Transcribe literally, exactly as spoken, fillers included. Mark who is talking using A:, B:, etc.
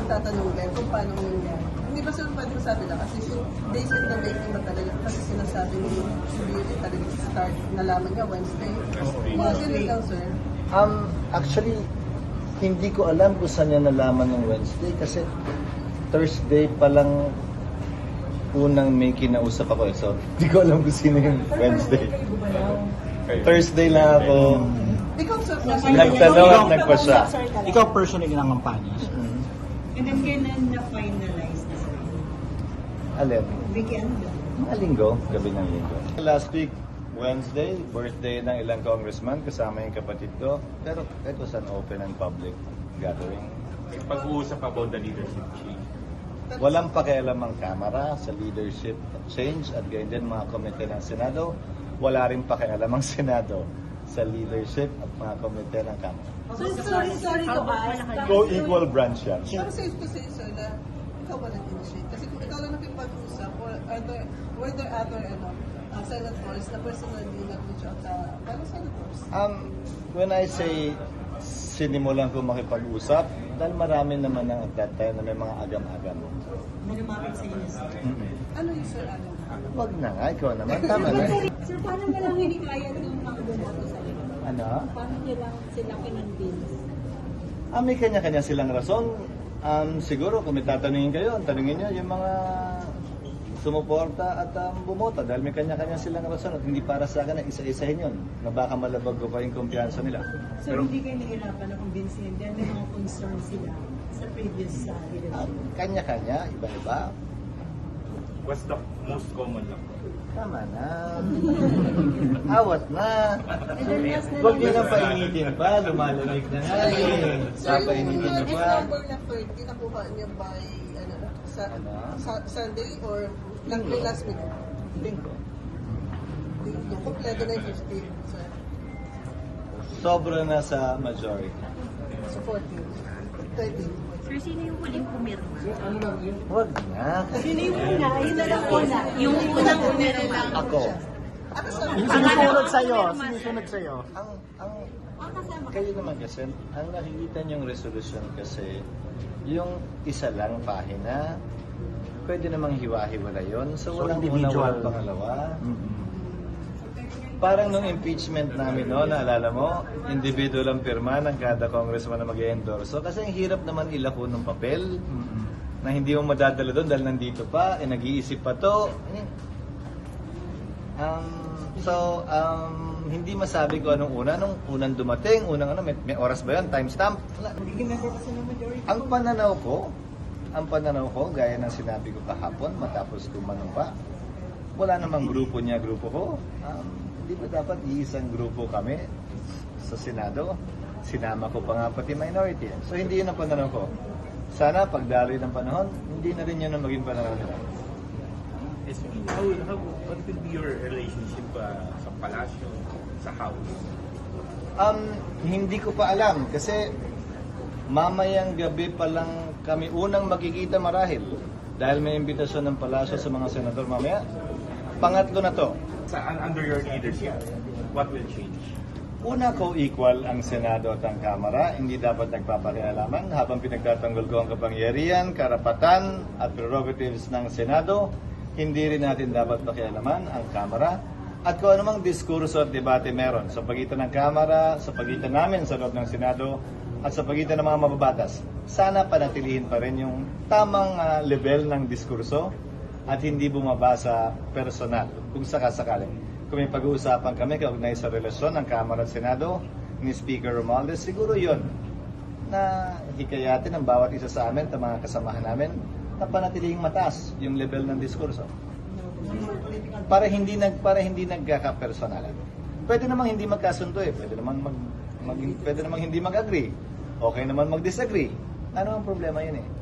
A: magtatanong din kung paano nangyari. Hindi ba sir pwede masabi lang? Kasi days in the making ba talaga? Kasi sinasabi ni Beauty talaga start, nalaman niya Wednesday. Mga ganun lang sir.
B: Um, actually, hindi ko alam kung saan niya nalaman ng Wednesday kasi Thursday pa lang unang may kinausap ako eh. So, hindi ko alam kung sino yung Wednesday. Thursday lang ako
A: Ikaw sir,
B: nagtanong at nagpasya.
C: Ikaw personally lang ang panis.
B: Mhm.
D: And then kailan na-finalize na sir?
B: Alin?
D: Weekend?
B: Mga linggo, gabi ng linggo. Last week, Wednesday, birthday ng ilang congressman, kasama yung kapatid ko. Pero it was an open and public gathering.
E: Pag-uusap about the leadership change.
B: Walang pakialam ang Kamara sa leadership change at ganyan din mga komite ng Senado. Wala rin pakialam ang Senado sa leadership at mga komite ng Kamara.
A: So, sorry, sorry to ask.
B: Co-equal branch yan.
A: Pero safe to say, sir, na ikaw ba nag-initiate? Kasi kung ikaw lang nakipag-usap, or are there, were there other ano, uh, senators na personally nag-reach out sa fellow senators?
B: Um, when I say sinimulan ko makipag-usap, dahil marami naman ng at that time na may mga agam-agam.
D: May lumapit sa inyo sir?
B: Mm-hmm.
A: Ano yung sir, ano?
B: Wag na nga, ikaw naman. Tama na.
D: Sir, paano mo lang hinikaya ng mga bumoto sa inyo?
B: Ano?
D: Paano nyo lang sila kinonvince?
B: Ah, may kanya-kanya silang rason. Um, siguro kung may tatanungin kayo, tanungin nyo yung mga sumuporta at um, bumoto dahil may kanya-kanya silang rason at hindi para sa akin na isa-isahin yun na baka malabag ko pa yung kumpiyansa nila.
D: So, hindi kayo nahirapan na convincein dahil may mga concerns sila sa previous uh, leadership?
B: Um, kanya-kanya, iba-iba.
E: What's the most common lang?
B: Tama na. Awat na. Huwag nyo nang painitin pa. Lumalamig na nga eh.
A: Sir, yung
B: Papainitin nyo
A: F
B: pa.
A: number na thirty, nakuha niya by, ano, sa,
B: Ano?
A: sa Sunday or lang may last week?
B: Linggo.
A: Yung kompleto na yung fifty, sir.
B: Sobra na sa majority.
A: So, fourteen. thirteen.
F: Sir, sino yung huling pumirma?
B: Huwag na.
D: Sino yung una? Yun na lang una.
F: Yung unang pumirma.
B: Ako.
A: Ako sir,
C: Yung sinusunod sa'yo, sinusunod sa'yo.
B: Ang, ang, kayo naman kasi, ang nakikita niyong resolution kasi, yung isa lang pahina, pwede namang hiwa-hiwala yun. So,
C: So,
B: walang una,
C: individual.
B: walang pangalawa.
C: Mm-mm.
B: Parang nung impeachment namin, no, naalala mo, individual ang pirma ng kada congressman na mag-endorso. Kasi ang hirap naman ilako ng papel
C: Mm-mm.
B: na hindi mo madadala doon dahil nandito pa, eh, nag-iisip pa to. Um, so, um, hindi masabi ko anong una. Nung unang dumating, unang ano, may, may oras ba yun? Timestamp? Wala. Ang pananaw ko, ang pananaw ko, gaya ng sinabi ko kahapon, matapos ko manumpa, wala namang grupo niya, grupo ko. Um, Hindi ba dapat iisang grupo kami sa Senado? Sinama ko pa nga pati minority. So hindi yun ang pananaw ko. Sana pagdaloy ng panahon, hindi na rin yun ang maging pananaw nila.
E: Yes, how, how, what will be your relationship uh, sa palasyo, sa house?
B: Um, hindi ko pa alam kasi mamayang gabi pa lang kami unang makikita marahil dahil may imbitasyon ng palasyo sa mga senador mamaya. Pangatlo na to.
E: Sa, under your leadership, what will change?
B: Una ko, equal ang Senado at ang Kamara. Hindi dapat nagpapakialaman habang pinagtatanggol ko ang kapangyarihan, karapatan at prerogatives ng Senado. Hindi rin natin dapat pakialaman ang Kamara. At kung anumang diskurso at debate meron sa pagitan ng Kamara, sa pagitan namin sa loob ng Senado, at sa pagitan ng mga mababatas, sana panatilihin pa rin yung tamang uh, level ng diskurso at hindi bumaba sa personal kung sakasakali. Kung may pag-uusapan kami kaugnay sa relasyon ng Kamara at Senado ni Speaker Romualdez, siguro yun na hikayatin ang bawat isa sa amin at mga kasamahan namin na panatiling mataas yung level ng diskurso. Para hindi nag para hindi nagkaka-personalan. Pwede namang hindi magkasundo eh, pwede namang mag, mag pwede namang hindi mag-agree. Okay naman mag-disagree. Ano ang problema yun eh?